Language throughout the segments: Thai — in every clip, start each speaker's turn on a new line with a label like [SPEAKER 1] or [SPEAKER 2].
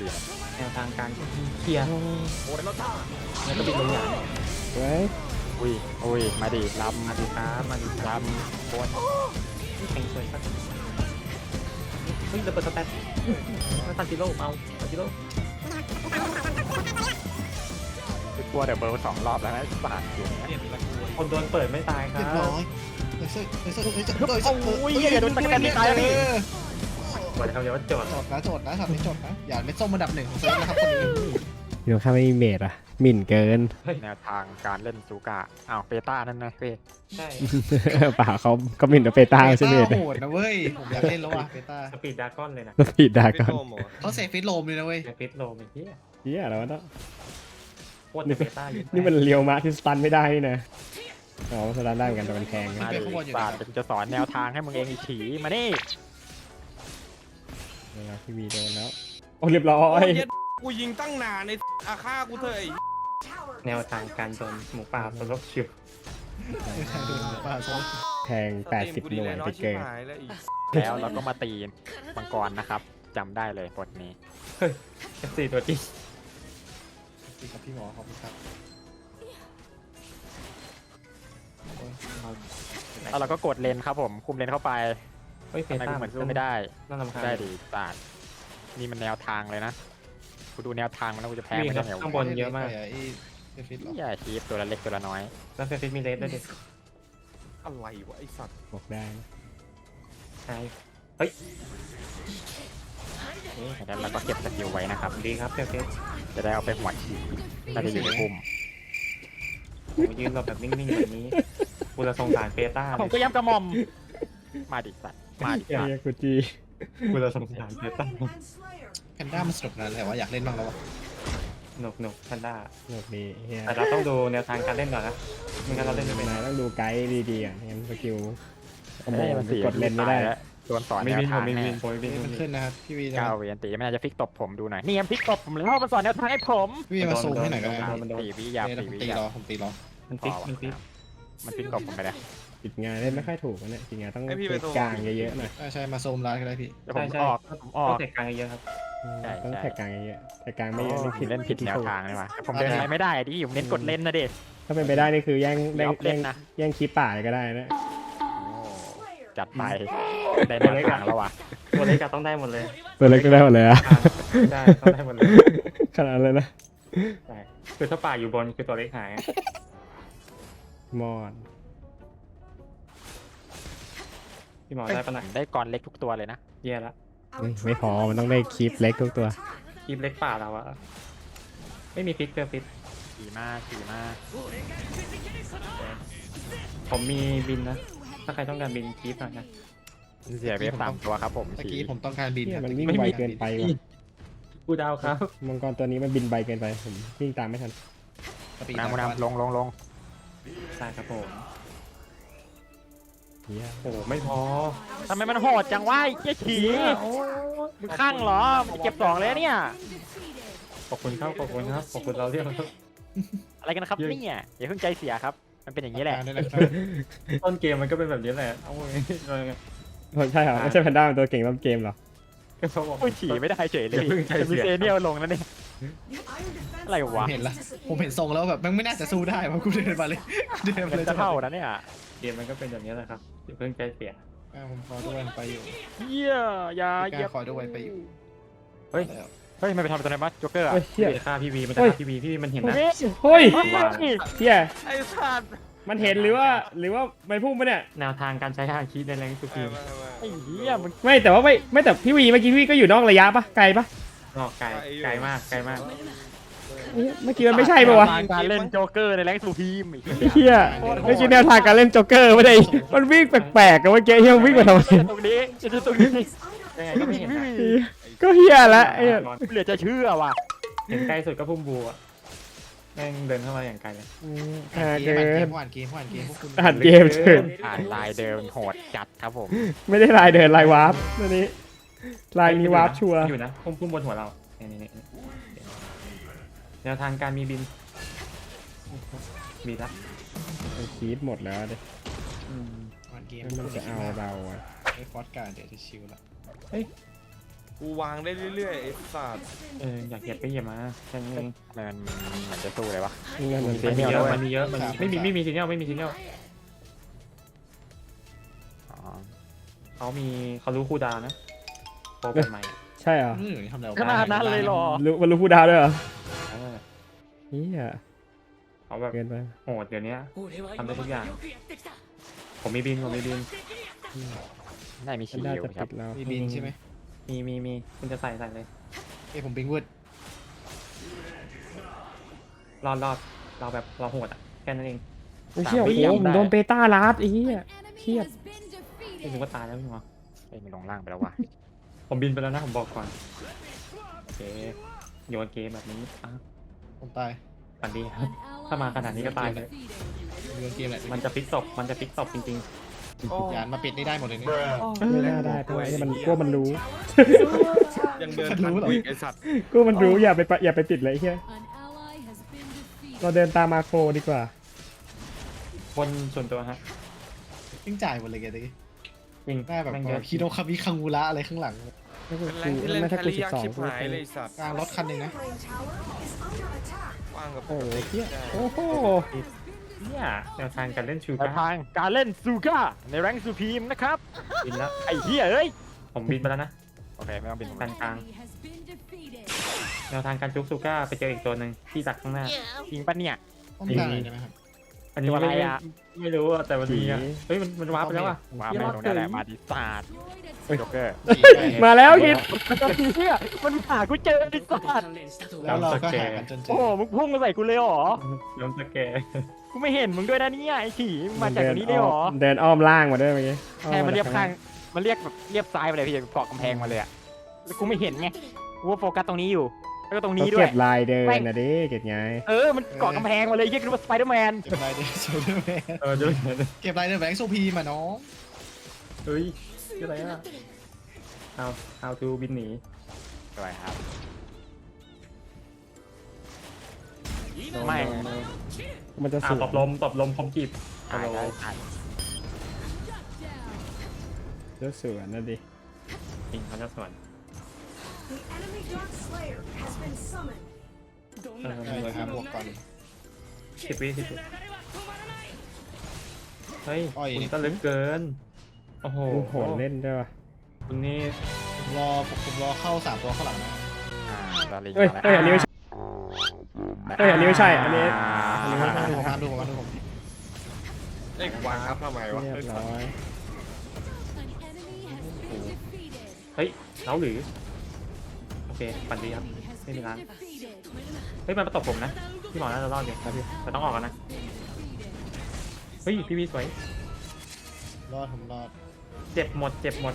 [SPEAKER 1] แนวทางการเคลียร์แล้วก็บินลงหยา
[SPEAKER 2] เฮ้ย
[SPEAKER 3] อุ้ยมาดิลำ
[SPEAKER 1] มาดีครับมาดี
[SPEAKER 3] ลำโคตร
[SPEAKER 1] แข่งสวยครับเฮ้ยระเบิดสแตนมาตันจิโร่เอาตันจิโร่
[SPEAKER 3] กลัวเดี๋ยวเบอร์2 รอบแล้วนะบาดอยู่เนี่ย
[SPEAKER 1] คนโดนเปิดไม่ตายครั
[SPEAKER 2] เรียบบ ร้อย
[SPEAKER 3] โอ้ยอย่าโดนตะกันไม่ตายแล้วพี่
[SPEAKER 1] บอกเลยครับเดี๋ยวว่าโจทย์
[SPEAKER 2] โจทย์นะช็อตนี้โจทย์นะอย่าเม็ดส้มอันดับ 1ของเซิร์ฟนะครับคนนี้
[SPEAKER 4] อยู่ข้างไม่มีเมดอ่ะหมิ่นเกิน
[SPEAKER 3] แนวทางการเล่นซูกะอ้าวเปต้านั่นนะเป้
[SPEAKER 1] ใช่
[SPEAKER 4] ป่าเขาก็หมิ่นกับเปต้าใช่ไหม
[SPEAKER 2] โหดนะเว้ยผมอยากเล่นแล้วว่ะเบต้า
[SPEAKER 1] สปีดดากอนเลยนะ
[SPEAKER 4] ผิดดาก่อน
[SPEAKER 2] เขาเซฟฟิตโลมเลยนะเว้ย
[SPEAKER 1] แฟิตโลเป็นที่
[SPEAKER 4] เฮียแล้วะเนาะ
[SPEAKER 1] โคตรเบต้าอยู่
[SPEAKER 4] นี่มันเลียวมาที่สตันไม่ได้นี่นะอ๋อสตันได้เหมือนกันแต่มันแพง
[SPEAKER 3] มาดิบาดจะสอนแนวทางให้มึงเองอีฉีมานี่
[SPEAKER 4] เวลาที่มีโดนแล้วโอ้เรียบร้อย
[SPEAKER 5] กูยิงตั้งนานในอาฆ่ากูเถอะไอ้
[SPEAKER 1] แนวทางการโดนหมูป่าสลบชิว
[SPEAKER 4] แพง80 หน่วยไปเกิน
[SPEAKER 5] หายแล้วอีก
[SPEAKER 3] แล้วเราก็มาตีมังกรนะครับจำได้เลยบทนี้
[SPEAKER 1] F4 ตัวจริง
[SPEAKER 2] ครับพี่หมอขอบคุณครับ
[SPEAKER 3] แล้วเราก็กดเลนครับผมคุมเลนเข้าไป
[SPEAKER 1] เฮ้ยเฟ
[SPEAKER 3] ทำไม
[SPEAKER 1] ต้า
[SPEAKER 3] กูเหมือนสู้ไม่ได้
[SPEAKER 1] น่ารำคาญ
[SPEAKER 3] ได้ดีบาดนี่มันแนวทางเลยนะกูดูแนวทางมันแล้วกูจะแพ้ไม่ได้ไง
[SPEAKER 1] ข้างบ
[SPEAKER 3] วะ
[SPEAKER 1] นเยอะมาก
[SPEAKER 2] เซฟฟิตหรอ
[SPEAKER 3] อย่าชีฟตัวละเล็กตัวละน้อย
[SPEAKER 1] แล้วเฟฟิตมีเลสด้วยดิ
[SPEAKER 5] อะไรวะไอ้สัตว์
[SPEAKER 4] บอกได้นะ
[SPEAKER 1] ใช่
[SPEAKER 3] แล้วเราก็เก็บสกิลไว้นะครับ
[SPEAKER 1] ดีครับเฟฟิต
[SPEAKER 3] จะได้เอาไปหัวฉีน่าจะอยู่ในกลุ่ม
[SPEAKER 1] ผมยืนรอแบบนิ่งๆแบบนี้กูจะสงสารเฟต้า
[SPEAKER 3] ผมก็ย้ำกระหม่อมมาดิสัตว์มาดิสัต
[SPEAKER 4] เฮีย
[SPEAKER 3] ว์
[SPEAKER 4] กูจี
[SPEAKER 1] กูจะสงสารเฟต้า
[SPEAKER 2] แพนด้ามันสนุกนะแต่ว่าอยากเล่นบ้างแล้ววะ
[SPEAKER 1] หนุกแพนด้า
[SPEAKER 4] หนกดีเฮีย
[SPEAKER 1] แต่เราต้องดูแนวทางการเล่นก่อนนะไม่งั้นเราเล่นไม่เป็น
[SPEAKER 4] นายต้องดูไกด์ดีๆอ่ะงั้นสกิลโอ้โห
[SPEAKER 3] มันสี
[SPEAKER 4] กดเล่นไม่ได้
[SPEAKER 3] แล้วโดนสอน
[SPEAKER 1] ไม่
[SPEAKER 3] แนว
[SPEAKER 1] บินผ
[SPEAKER 3] ทาม ง
[SPEAKER 1] ไม่
[SPEAKER 3] ให้
[SPEAKER 1] บินผมไม่บิน
[SPEAKER 2] มันขึ้นนะครับพี่วี
[SPEAKER 3] ก้าวเวียนตีมันอาจจะพลิกตบผมดูหน่อยนี่ยังพลิกตบผมเลยเพราะมันสอนแนวทางให้ผม
[SPEAKER 2] พี่วีมาซูมให้หน่อยก็ได้
[SPEAKER 3] 4 วิยา
[SPEAKER 2] ผม
[SPEAKER 3] 4 วิ
[SPEAKER 2] ตี
[SPEAKER 3] ยาร
[SPEAKER 2] อผมตีรอ
[SPEAKER 1] มันฟิกมันฟิก
[SPEAKER 3] มันพลิกตบผมไปเลย
[SPEAKER 4] ปิดงานเล่นไม่ค่อยถูกนะเนี่ยปิดงานต้องเปิดกลางเยอะๆหน่อย
[SPEAKER 2] ใช่มาซูมร้านก็ได้พี่
[SPEAKER 3] เดี๋ยวผม
[SPEAKER 1] ใช่
[SPEAKER 3] ออกผมออก
[SPEAKER 1] เตะกลางเยอะครับ
[SPEAKER 3] ใช่
[SPEAKER 4] ต้อง
[SPEAKER 3] ใช่
[SPEAKER 4] แท็กกลางเยอะๆแท็กกลางไม่เยอะนี่
[SPEAKER 3] ผ
[SPEAKER 4] ผิ
[SPEAKER 3] ม
[SPEAKER 4] ด
[SPEAKER 3] เล่นผิดแนวทางเลยว่ะผมเดินอะไรไม่ได้ดิผมเน้นกดเล่นนะดิ
[SPEAKER 4] ถ้าเป็นไปได้นี่คือแย่ง
[SPEAKER 3] เดี๋ยวเล่นนะ
[SPEAKER 4] แย่งคลิปป่าเลยก็ได้นะ
[SPEAKER 3] จัดไปได้แนวทางแล้วว่ะ
[SPEAKER 1] ตัวเล็กต้องได้หมดเลย
[SPEAKER 4] ตัวเล็กก็ได้หมดเลยอะ
[SPEAKER 1] ได้ต้องได้หมดเลย
[SPEAKER 4] ขนาดเลยนะ
[SPEAKER 1] ใช่คือถ้าป่าอยู่บนคือตัวเล็กหาย
[SPEAKER 4] มอน
[SPEAKER 1] พี่หมอได้ปะนะ
[SPEAKER 3] ได้ก่อนเล็กทุกตัวเลยนะ
[SPEAKER 1] เย่ละ
[SPEAKER 4] ไม่พอมันต้องได้คลิปเล็กทุกตัว
[SPEAKER 1] คีบเล็กป่าเราอะไม่มีฟิกเกอร์ฟิต
[SPEAKER 3] ขี่มากขี่มาก
[SPEAKER 1] ผมมีบินนะ ถ้าใครต้องการบินคีบหน่อยนะ
[SPEAKER 3] เสียเวฟ3 ตัวครับผม
[SPEAKER 2] ตะกี้ผมต้องการบิน
[SPEAKER 4] เนี่ย
[SPEAKER 2] ครับ
[SPEAKER 4] มันวิ่งไวเกินไปว่ะ
[SPEAKER 1] กูดาวครับ
[SPEAKER 4] มังกรตัวนี้มันบินไวเกินไปผมวิ่งตามไม่ทัน
[SPEAKER 3] น้ำลงลง
[SPEAKER 1] ใช่ครับผม
[SPEAKER 4] เฮีย
[SPEAKER 1] โอ้ไม่พอ
[SPEAKER 3] ทำไมมันโหดจังวะไอ้เจ๊ฉีมึงข้างเหรอมึงเก็บ2เลยเนี่ย
[SPEAKER 1] ขอบคุณครับขอบคุณครับขอบคุณเราเรียกครับ
[SPEAKER 3] อะไรกันครับเนี่ยอย่าเพิ่งใจเสียครับมันเป็นอย่างนี้แหละ
[SPEAKER 2] ได้เลยครับ
[SPEAKER 1] ต้นเกมมันก็เป็นแบบนี้แหละเอาไว้
[SPEAKER 4] ใช่เหรอไม่ใช่แพนด้าเป็นตัวเก่งต้นเกมเหรอ
[SPEAKER 1] ก็เขาบอก
[SPEAKER 3] โอ้ยฉี่ไม่ได้เฉยเลย
[SPEAKER 1] อย่าเพิ่งใจเสีย
[SPEAKER 3] มีเซเนียลลงนั่นเองอะไร
[SPEAKER 2] ผม
[SPEAKER 3] วะ
[SPEAKER 2] เห็นละผมเห็นทรงแล้วแบบมันไม่น่าจะสู้ได้เพราะกูเดินมาเลยเดินมา
[SPEAKER 3] มัน
[SPEAKER 2] เลย
[SPEAKER 3] จะเท่านะเนี่ย
[SPEAKER 1] เกมมันก็เป็นแบบนี้แหละครับอย่าเพิ่งใจเสีย
[SPEAKER 2] ผมขอด้วยไปอยู่
[SPEAKER 3] เยี่ยอย่า
[SPEAKER 2] พี่
[SPEAKER 3] เหยีย
[SPEAKER 2] กา
[SPEAKER 3] บ
[SPEAKER 2] ขอด้วยไปอยู่
[SPEAKER 3] เฮ้ยไม่ไปทำตัวไหนบ้างโจ๊กเกอร์อะ
[SPEAKER 4] เฮ้ยเฮีย
[SPEAKER 1] พี่ฆ่าพี่วีมันจะฆ่าพี่วีพี่วีมันเห็นนะ
[SPEAKER 4] เฮ้ย
[SPEAKER 1] ว่า
[SPEAKER 4] เฮีย
[SPEAKER 5] ไอ้สัตว์
[SPEAKER 4] มันเห็นหรือว่าไม่พุ่งปะเนี่ย
[SPEAKER 1] แนวทางการใช้ฮาคิในแรงสุขี
[SPEAKER 3] ไอ้เหี้ยมึง
[SPEAKER 4] ไม่แต่ว่าไม่แต่พี่วีเมื่อกี้พี่ก็อยู่นอกระยะปะไกลปะ
[SPEAKER 1] นอกไกลไกลมากไกลมาก
[SPEAKER 4] เมื่อกี้มันไม่ใช่ปะวะ
[SPEAKER 3] การเล่นโจ๊กเกอร์ในแรงสูพีมอีก
[SPEAKER 4] เฮียเมื่อกี้แนวทางการเล่นโจ๊กเกอร์ไม่ได้มันวิ่งแปลกๆกันเมื่อกี้เฮียวิ่งมาทำไม
[SPEAKER 3] ตรงนี้จะตรงนี้
[SPEAKER 1] ยังไงก็ไม่เห็นนะ
[SPEAKER 4] ก็เฮียละไอ้
[SPEAKER 3] เหลือจะเชื่อว่ะ
[SPEAKER 1] เห็นใกล้สุดก็พุ่มบัวแม่งเดินเข้ามาอย่างไกลเลย
[SPEAKER 2] เก
[SPEAKER 4] เกิ
[SPEAKER 2] ม
[SPEAKER 4] น
[SPEAKER 2] ผ่านเกมพวกคุณ
[SPEAKER 4] อ่านเกมเฉย
[SPEAKER 3] ผ่านลายเดิมโหดจัดครับผม
[SPEAKER 4] ไม่ได้ลายเดินลายวาร์ปตัวนี้ลายนี้วาร์ปชัวร์
[SPEAKER 1] อยู่นะพุ่มบนหัวเรานี่แนวทางการมีบินมีละ
[SPEAKER 4] มันคีบหมดแล้วดิ
[SPEAKER 2] ผ่านเกม
[SPEAKER 4] มันจะเอาเราอะ
[SPEAKER 2] ไอ้ฟอสการ์ดเดี๋ยวจะชิลละ
[SPEAKER 5] กูวางได้เรื่อยๆไอ้สัตว์
[SPEAKER 1] อยากเหยียบก็เหยียบมาแค่นี้เอง
[SPEAKER 3] ทำไมมันเหมือนจะสู้เลยวะ
[SPEAKER 4] นี่ไงมัน
[SPEAKER 1] มันมีเยอะ
[SPEAKER 3] ด้วย
[SPEAKER 1] มันมีเยอะมันไม่มีซีเนียลไม่มีซีเนียล
[SPEAKER 3] อ๋อ
[SPEAKER 1] เขารู้คู่ดาวนะโปรเป็นใหม่
[SPEAKER 4] ใช่เหรอ
[SPEAKER 2] ทำแล้ว
[SPEAKER 3] ขนาดนั้นเลยเหรอ
[SPEAKER 4] รู้มันรู้ผู้ดาวด้วยเหรอ
[SPEAKER 1] เออ
[SPEAKER 4] เฮีย
[SPEAKER 1] เขาแบบ
[SPEAKER 4] เกินไป
[SPEAKER 1] โหดเดี๋ยวนี้ทำได้ทุกอย่างผมมีบิน
[SPEAKER 3] ได้มี
[SPEAKER 4] ฉั
[SPEAKER 3] ฉี
[SPEAKER 4] น
[SPEAKER 3] ด
[SPEAKER 4] ได้
[SPEAKER 3] อยู่
[SPEAKER 4] จะ
[SPEAKER 3] ครั
[SPEAKER 4] ปิ
[SPEAKER 3] บ
[SPEAKER 4] ดแล้ว
[SPEAKER 2] มีบินใช่ไหม
[SPEAKER 1] มีคุณจะใส่เลย
[SPEAKER 2] ผมบิงวุด
[SPEAKER 1] รอดเราแบบเราโหดอ่ะแค่นั้นเอง
[SPEAKER 4] โอ้ยเชี่ยโอ้โหผมโดนเบต้าลัดไอ้เหี้ยเครียด
[SPEAKER 1] ไม่รู้ว่าตายแล้วพี่หมอ
[SPEAKER 3] เอ้ยมันลงล่างไปแล้ววะ
[SPEAKER 1] ผมบินไปแล้วนะผมบอกก่อนโอเคโยนเกมแบบนี้อ่ะ
[SPEAKER 2] ผมตาย
[SPEAKER 1] ฝันดีครับ ถ้ามาขนาดนี้ก็ตายเลย
[SPEAKER 2] เรื่องเกมแหละ
[SPEAKER 1] มันจะฟิกศพจริง
[SPEAKER 2] ยานมาปิดนี่ได้หมดเลยนี่
[SPEAKER 4] ไม่น่าได้เพราะว่าไอ้มันกลัวมันรู้
[SPEAKER 5] ยังเดินทันกูอีกไอ้สัตว์
[SPEAKER 4] กลัวมันรู้อย่าไปติดเลยไอ้เหี้ยเราเดินตามมาโครดีกว่า
[SPEAKER 1] ๆคนส่วนตัวฮะ
[SPEAKER 2] ยิ่งจ่ายหมดเลยแกตะกี้
[SPEAKER 1] จริง
[SPEAKER 2] ได้แบบ
[SPEAKER 1] แม่งเยอะ
[SPEAKER 2] คิโดคามิคังวูระอะไรข้างหลัง
[SPEAKER 4] ไม่กู
[SPEAKER 5] เป็นแรงที่เล่น
[SPEAKER 4] ไม่
[SPEAKER 5] แค
[SPEAKER 4] ถ้ากู
[SPEAKER 5] รี่ยาก
[SPEAKER 4] 12
[SPEAKER 5] ชิบ
[SPEAKER 4] กู
[SPEAKER 5] หายเลยไอ้สัตว์
[SPEAKER 2] กลางรถคันหนึ่งนะ
[SPEAKER 5] ว่างกับ
[SPEAKER 4] โอ้โหเหี้ยโอ้โห
[SPEAKER 1] เนี่ยแนวทางการเล่นชู
[SPEAKER 3] แนว
[SPEAKER 1] การ์
[SPEAKER 3] ทางการเล่นซูก้าในแรงค์ซูพีมนะครับ
[SPEAKER 1] บินแล้ว
[SPEAKER 3] ไอ้เหี้ยเอ้ย
[SPEAKER 1] ผมบินไปแล้วนะ
[SPEAKER 3] โอเคไม่ต้องบินผม
[SPEAKER 1] กลางแนวทางการจุกซูก้าไปเจออีกตัวหนึ่งที่ดักข้างหน้า
[SPEAKER 3] ยิงปะเนี่ย
[SPEAKER 2] ต้องการอะไรได้ไหมครับ
[SPEAKER 1] อันนี้
[SPEAKER 3] ตัวอะไร
[SPEAKER 1] ไม่
[SPEAKER 3] อะ
[SPEAKER 1] ไม่รู้อะแต่มันมีอะเฮ้ยมันวาร์ปไปแล้วอะ
[SPEAKER 3] ว้าวไม่ตรงนี้แหละมาดิสาดโจ๊กเกอร์
[SPEAKER 4] มาแล้วคิด
[SPEAKER 3] เหี้ยมันหากูเจอไอ้สัตว์
[SPEAKER 2] แล้วเราก็หากันจนเจ
[SPEAKER 3] โอ้
[SPEAKER 2] อ
[SPEAKER 3] โหมึงพุ่งมาใส่กูเลยเหรอ
[SPEAKER 1] ล้มสแกร์
[SPEAKER 3] กูไม่เห็นมึงด้วยนะเนี่ยไอ้ฉี่มึงมาจากตรงนี้ได้เหรอ
[SPEAKER 4] เดินอ้อมล่างมาด้วยเมื่อกี้
[SPEAKER 3] ใช่มันเรียบข้างมันเรียกแบบเรียบซ้ายไปเลยพี่เกาะกำแพงมาเลยอะแล้วกูไม่เห็นไงกูว่าโฟกัสตรงนี้อยู่แล้วก็ตรง
[SPEAKER 4] เขา
[SPEAKER 3] นี้ด้ว
[SPEAKER 4] เก็
[SPEAKER 3] ย
[SPEAKER 4] บลายเดินนะดิเก็บไง
[SPEAKER 3] มันเกาะกำแพงมาเลยเรียกว่าสไปเดอร์แมน
[SPEAKER 2] เก็บรายเดอร์โซเดอร์แมน
[SPEAKER 1] เดี๋ยว
[SPEAKER 2] เก็บรายเดอร์แบงค์โซพีมาน้อง
[SPEAKER 1] เฮ้ยชื่ออะไรอะhow to บินหนี
[SPEAKER 3] สวยครับไม่
[SPEAKER 4] มันจะสูง
[SPEAKER 1] ตบลมคมจีบ
[SPEAKER 3] ตายได้ตาย
[SPEAKER 4] เลือดสวนนะดิ
[SPEAKER 1] จริงเขาจะสวน
[SPEAKER 2] เลยครับบวกก่อน
[SPEAKER 1] 10 วิเฮ้ย
[SPEAKER 2] อ้อย
[SPEAKER 1] คุณ
[SPEAKER 2] นี่
[SPEAKER 1] ก็ลึกเกินโอ้โห
[SPEAKER 4] โอ้โหเล่นด้วยวะ
[SPEAKER 1] คุณนี่
[SPEAKER 2] ผมรอเข้า3ตัวข้างหลังนะ
[SPEAKER 3] ลาลิง
[SPEAKER 4] เอ้ยเอ้ยอันนี้ไม่ใช่เอ้ยอันนี้ไม่ใช่อันนี้
[SPEAKER 2] ผมมาดูผม
[SPEAKER 5] ไอ้กูวางครับทำไมวะ
[SPEAKER 4] เรียบร้อย
[SPEAKER 1] เฮ้ยเขาหรือโอเคปันดีครับไม่มีร้านเฮ้ยมันมาตบผมนะพี่หมอน่าจะรอดอยู่ครับพี่แต่ต้องออกกันนะเฮ้ยพี่วีสวย
[SPEAKER 2] รอดผมรอด
[SPEAKER 1] เจ็บหมด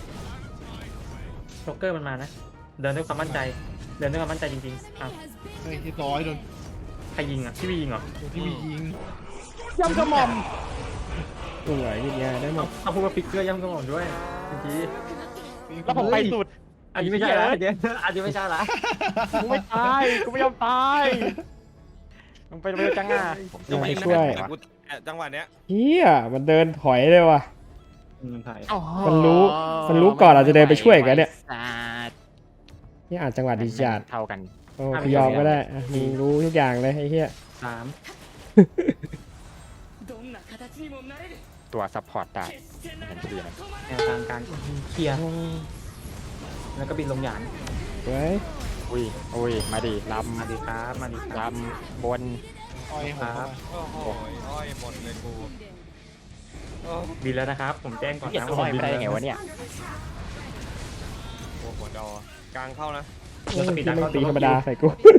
[SPEAKER 1] โจ๊กเกอร์มันมานะเดินด้วยความมั่นใจจริงๆอ้าว
[SPEAKER 2] เฮ้ยเรียบร้อยโดน
[SPEAKER 1] ใครยิงอ่ะพี่วียิงเหรอ
[SPEAKER 2] พี่มียิง
[SPEAKER 3] ย่ำกระหม่อม
[SPEAKER 4] สวยยิงไงได้หมด
[SPEAKER 1] เอาพูดว่าฟิกเกอร์ย่ำกระหม่อมด้วยเมื่อกี้
[SPEAKER 3] แล้วผมไปสุด
[SPEAKER 1] อันนี้ไม่ใช่ละอันนี้ไม่ใช่ละ
[SPEAKER 3] กูไม่ตายกูไม่ยอมตายมึงไปเร็วจังอ่ะ
[SPEAKER 4] อยากไปช่วย
[SPEAKER 5] แต่กูจังหวะเนี้ย
[SPEAKER 4] เฮียมันเดินถอยเลยว่ะ
[SPEAKER 1] มันถ่าย
[SPEAKER 4] มันรู้ก่อนเราจะเดินไปช่วยกันเนี่ย นี่อ่านจังหวะดีจัด
[SPEAKER 3] เท่ากัน
[SPEAKER 4] โอ้ยอมก็ได้อ่ะมึงรู้ทุกอย่างเลยไอ้เหี้ย
[SPEAKER 1] 3
[SPEAKER 3] ตัวซัพพอร์ตได้เห็นชื่อไหม
[SPEAKER 1] แนวทางการเคลียร์แล้วก็บินลงหยาน
[SPEAKER 4] เว้ย
[SPEAKER 3] อุ้ยมาดิล
[SPEAKER 1] มาดีครับ
[SPEAKER 3] ำลำบน
[SPEAKER 2] อ้อยผมเข้ามา
[SPEAKER 5] โอ้โหอ้อยหมดเลยกูโอ้
[SPEAKER 1] บินแล้วนะครับ ผมแจ้งก่อน
[SPEAKER 3] เหี้ย
[SPEAKER 1] นะ
[SPEAKER 3] ตัว
[SPEAKER 1] ว่า
[SPEAKER 3] ลอยไปได้ยังไงวะเนี่ย
[SPEAKER 5] โหหัวดอกลางเข้านะ
[SPEAKER 4] โอ้ยที่ไม่งตีธรรมดาใส่กู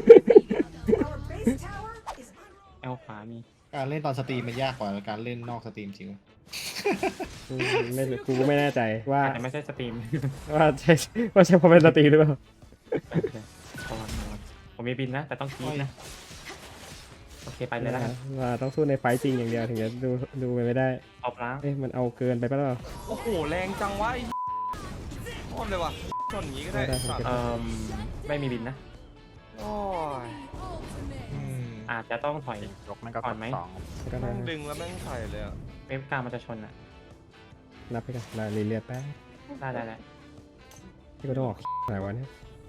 [SPEAKER 1] แอลขวามี
[SPEAKER 2] การเล่นตอนสตรีมมันยากกว่าการเล่นนอกสตรีมจริง
[SPEAKER 4] ไม่กูก็ไม่แน่ใจว่า
[SPEAKER 1] อาจจะไม่ใช่สตรีม
[SPEAKER 4] ใช่เพราะเป็นสตรีหรือเปล่า
[SPEAKER 1] ผมมีบินนะ แต่ต้องคีบนะ โอเคไปเลยแล้วกัน
[SPEAKER 4] ว่าต้องสู้ในไฟต์จริงอย่างเดียวถึงจะดูไปไม่ได้
[SPEAKER 1] ตบล้าง
[SPEAKER 4] เอ๊ะมันเอาเกินไปปะเปล่า
[SPEAKER 5] โอ้โหแรงจังวะไอ้โคตรเลยว่ะชนอย่างงี้ก็ได้
[SPEAKER 4] ได้ได้
[SPEAKER 5] สัตว์
[SPEAKER 1] ไม่มีบินนะ
[SPEAKER 5] โอ้ย
[SPEAKER 1] อาจจะต้องถอย
[SPEAKER 3] ยกมันก็
[SPEAKER 1] ก่อนไหม
[SPEAKER 3] สอง
[SPEAKER 4] ก็ได้
[SPEAKER 5] แม่งดึงแล้วแม่งใส่เลยอ่ะ
[SPEAKER 1] เวฟกลางมันจะชนอ่ะ
[SPEAKER 4] นับไปกันรายละเอียดแป๊บ
[SPEAKER 1] ได้
[SPEAKER 4] ที่ก็ต้องออกอะไรวะเนี่ย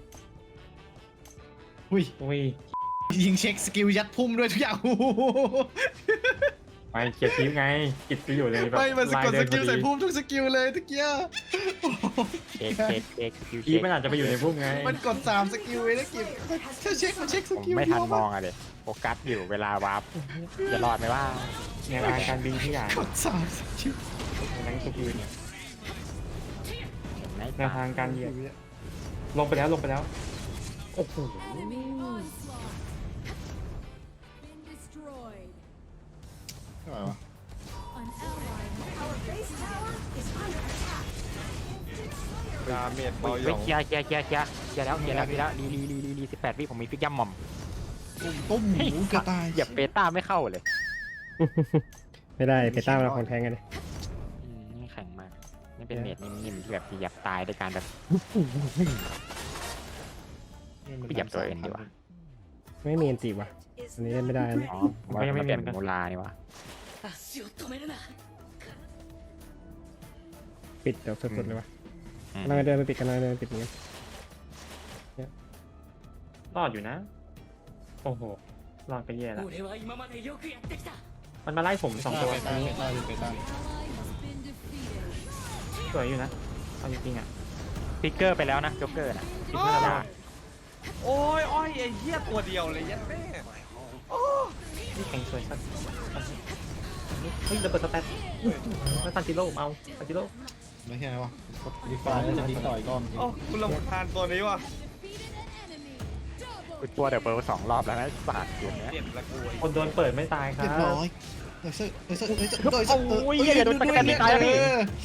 [SPEAKER 2] อุ้ย
[SPEAKER 1] อุ้ย
[SPEAKER 2] ยิงเช็คสกิลยัดพุ่มด้วยทุกอย่าง โอ้โห
[SPEAKER 1] ไปเคลียร์ทีมไงกิดไปอยู่เลยแบบ
[SPEAKER 2] ไม่มันสะกดสกิลใส่
[SPEAKER 1] พ
[SPEAKER 2] พุ่มทุกสกิลเลยทุกเกี้ยโอ้โห
[SPEAKER 3] เช็คคิว
[SPEAKER 1] ที
[SPEAKER 3] เช็
[SPEAKER 1] ม
[SPEAKER 3] ค
[SPEAKER 1] มันอาจจะไปอยู่ในพุ่มไง
[SPEAKER 2] มันกด3สกิลเลยนะกิจถ้าเช็คมันเช็คส
[SPEAKER 3] ผม
[SPEAKER 2] กิล
[SPEAKER 3] ไม่ทัน
[SPEAKER 2] เดียว
[SPEAKER 3] มองอะเลยโฟกัสอยู่เวลาวาร์ปจะรอดไหมว่า
[SPEAKER 1] แนวทางการบินที่อย่าง
[SPEAKER 2] กด3สกิล
[SPEAKER 1] นั้นทุกทีเนี่ย
[SPEAKER 3] เห็นไหม
[SPEAKER 1] แนวทางการเหยียบลงไปแล้วโอ้โห
[SPEAKER 2] อะไรวะ
[SPEAKER 5] ดาเมจเบาหย
[SPEAKER 3] เฮ้ย
[SPEAKER 5] อง
[SPEAKER 3] เคลียร์แล้วรี18 วิผมมีฟิกย่ำหม่อม
[SPEAKER 2] ตุ้มหมูกระต่าย
[SPEAKER 3] เหยียบเปต้าไม่เข้าเลย
[SPEAKER 4] ไม่ได้ไปต้าเราของแทงกันเลย
[SPEAKER 3] นี่แข็งมากนี่เป็นเมดนิ่มๆที่แบบเหยียบตายด้วยการแบบเหยียบตัวเองดีกว่า
[SPEAKER 4] ไม่มีอันตีว่ะอันนี้เล่นไม่ได้นะ
[SPEAKER 3] อ๋อว่ามันเป็นมูลานี่วะ
[SPEAKER 4] ปิดเดี๋ยวสุดๆเลยวะกำลังเดินไปปิดอย่างเงี้ย
[SPEAKER 1] รอดอยู่นะโอ้โหรอดไปแย่แล้วมันมาไล่ผม2 ตัว
[SPEAKER 2] ไปต้าไปต้า
[SPEAKER 1] สวยอยู่นะเอาจริงๆอ่ะ
[SPEAKER 3] ฟิกเกอร์ไปแล้วนะจ็อกเกอร์นะ
[SPEAKER 1] คิดว่าจะได้
[SPEAKER 5] โอ้ยอ้อยไอ้เหี้ยตัวเดียวเลยยัดแม่
[SPEAKER 1] นี่แข่งสวยสัสเฮ้ยระเบิดสแตทแล้วซันจิโร่เอาซันจิโร่
[SPEAKER 2] ไม่ใช่นะวะดีฟ้าจะดีต่อยรอบ
[SPEAKER 5] โอ้คุณรำคาญตัวนี้ว่ะ
[SPEAKER 3] กูตัวเดบเบิล2 รอบแล้วนะศาสตร์เกมเนี้ย
[SPEAKER 5] เจ็บละกูไอ้
[SPEAKER 1] คนโดนเปิดไม่ตายครั
[SPEAKER 2] เรีย
[SPEAKER 1] บบ
[SPEAKER 2] ร้อยเดี๋ยว
[SPEAKER 3] โอ้ยอย่าโดนตะกันตายแล้วพี่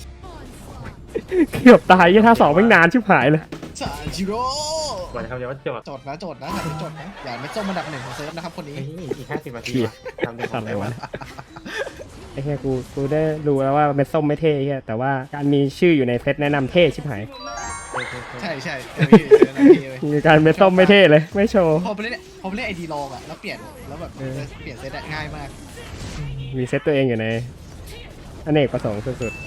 [SPEAKER 4] เกือบตายยี่ท่า2ไม่งนานชิบหายเลย
[SPEAKER 2] ซาจิโร่
[SPEAKER 1] สวยนะครับเดี๋ยวว่าจบ
[SPEAKER 2] จดนะหันไปจดนะอย่าไม่ส้มอันดับ1ของเซิร์ฟนะครับคนนี้
[SPEAKER 1] เฮ้ยอีก50 นาทีว่ะทำเดี๋ยว
[SPEAKER 4] สัตว์อะไรวะไอ้แค่กูได้รู้แล้วว่าเม็ดส้มไม่เท่แค่แต่ว่าการมีชื่ออยู่ในเซตแนะนำเท่ชิบหาย
[SPEAKER 2] ใช่
[SPEAKER 4] การเม็ดส้มไม่เท่เลยไม่โชว์
[SPEAKER 2] พอไปเล่นไอดีลองอ่ะแล้วเปลี่ยนแล้วแบบเปลี่ยนเซตง่ายมาก
[SPEAKER 4] มีเซตตัวเองอยู่ในอเนกประสงค์สุด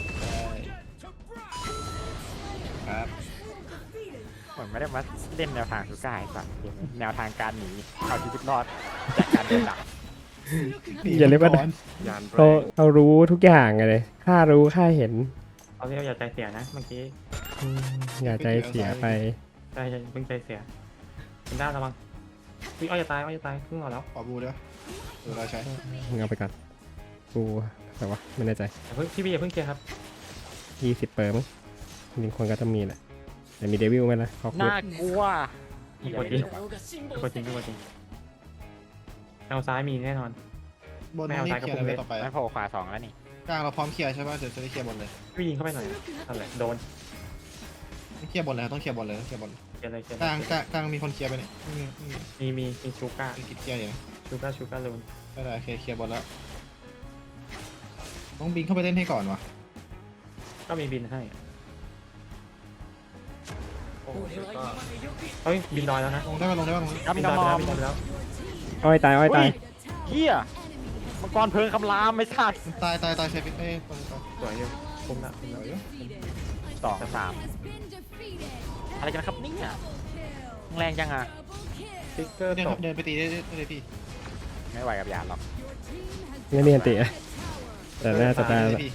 [SPEAKER 2] ครับ
[SPEAKER 3] เหมือนไม่ได้มาเล่นแนวทางสุก้าไอ้สัตว์เกมนี้แนวทางการหนีเอาชีวิตรอดจากการโดนดัก
[SPEAKER 4] ๆอย่าเรียกว่า
[SPEAKER 5] ยานแร
[SPEAKER 4] เรารู้ทุกอย่างเลยข้ารู้ข้าเห็น
[SPEAKER 1] เอาเรียกอย่าใจเสียนะเมื่อกี้
[SPEAKER 4] อย่าใจเสียไป
[SPEAKER 1] ใจเพิ่งใจเสียคุณด้าระวังอ้อยจะตายครึ่งหลอดแล้ว
[SPEAKER 2] ขอบูด้วยเราใช้
[SPEAKER 4] มึงเอาไปก่อนกูแต่ว่าไม่แน่ใจ
[SPEAKER 1] อย่าเพิ่งพี่อย่าเพิ่งเคลียร์ครับ
[SPEAKER 4] 20เปอร์มั้งจริงๆคนก็จะมีแหละแต่มีเดวิลไหมล่ะขอบคุณ
[SPEAKER 3] น่ากลัว
[SPEAKER 1] อีกคนจริงเอาซ้ายมีแน่นอน
[SPEAKER 2] บนนี่เคลียร์อะไรต่อไป
[SPEAKER 3] ไม่โผล่ขวา2แล้วนี่
[SPEAKER 2] กลางเราพร้อมเคลียร์ใช่ป่ะเดี๋ยวจะได้เคลียร์บนเลย
[SPEAKER 1] พี่ยิงเข้าไปหน่อยอะไรโดน
[SPEAKER 2] เคลียร์บนเลยต้องเคลียร์บนเลยเคลียร์บน
[SPEAKER 1] เคลียร์เลย
[SPEAKER 2] กลางมีคนเคลียร์ไปเนี่ย
[SPEAKER 1] มีชูก้า
[SPEAKER 2] กิดเคลียร์อย่าง
[SPEAKER 1] ชูก้าลูน
[SPEAKER 2] ได้โอเคเคลียร์บนแล้วต้องบินเข้าไปเล่นให้ก่อนวะ
[SPEAKER 1] ก็มีบินให้
[SPEAKER 5] โอ้ยก็
[SPEAKER 1] เฮ้ยบินลอยแล้วนะ
[SPEAKER 2] ลงได้ป่ะ
[SPEAKER 3] ครับ
[SPEAKER 1] บิ
[SPEAKER 3] มี
[SPEAKER 1] นล
[SPEAKER 3] น้
[SPEAKER 1] อย
[SPEAKER 3] อง
[SPEAKER 1] ไป
[SPEAKER 3] มอ
[SPEAKER 1] แล้ว
[SPEAKER 3] ม
[SPEAKER 1] บินลอยไปแล้ว
[SPEAKER 4] อ้อยตาย
[SPEAKER 3] เฮียมังกรเพลิงคำรามไม่ชัด
[SPEAKER 2] ตายใช้ฟิตตรง
[SPEAKER 1] สวยอยู่คุ้มละ
[SPEAKER 3] 2-3อะไรกันครับเนี่ยแรงจังอ่ะ
[SPEAKER 1] สติ๊กเกอร์
[SPEAKER 2] เดิน
[SPEAKER 1] ตก
[SPEAKER 2] เดินไปตีได้เลยพี่
[SPEAKER 3] ไม่ไหวกับยานหรอก
[SPEAKER 4] ไม่มีอันติอะแต่น่าจะได้
[SPEAKER 2] พี่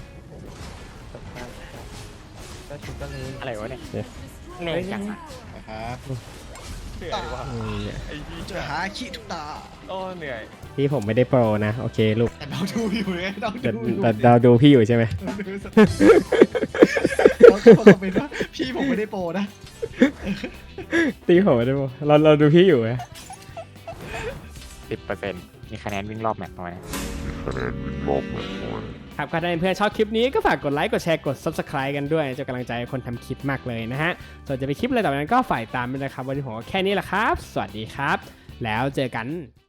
[SPEAKER 1] ก็ชูก้าลูน
[SPEAKER 3] อะไรวะเนี่ยแรงจังอ่ะ
[SPEAKER 2] นะครับ
[SPEAKER 5] เหนื่อยว่ะ
[SPEAKER 4] อืม
[SPEAKER 5] ไอ้ยี่
[SPEAKER 2] จะหาขี้ทุกตา
[SPEAKER 5] โอ้เหนื่อย
[SPEAKER 4] พี่ผมไม่ได้โปรนะโอเคลูก
[SPEAKER 2] แต่เราดูอยู่เลยเรา
[SPEAKER 4] แต่
[SPEAKER 2] ดูอยู่
[SPEAKER 4] แต่เราดูพี่อยู่ใช่ไหม
[SPEAKER 2] เขาเป็นว่าพี่ผมไม่ได้โปรนะ
[SPEAKER 4] ตีผมไม่ได้โปรเราดูพี่อยู่ไง
[SPEAKER 3] 10%มีคะแนนวิ่งรอบแมตช์น้อยนะ
[SPEAKER 4] ครับก็ถ้าเพื่อนชอบคลิปนี้ก็ฝากกดไลค์กดแชร์กด subscribe กันด้วยจะกำลังใจให้คนทำคลิปมากเลยนะฮะส่วนจะไปคลิปอะไรต่อไปนั้นก็ฝ่ายตามด้วยนะครับวันนี้ผมก็แค่นี้แหละครับ สวัสดีครับ แล้วเจอกัน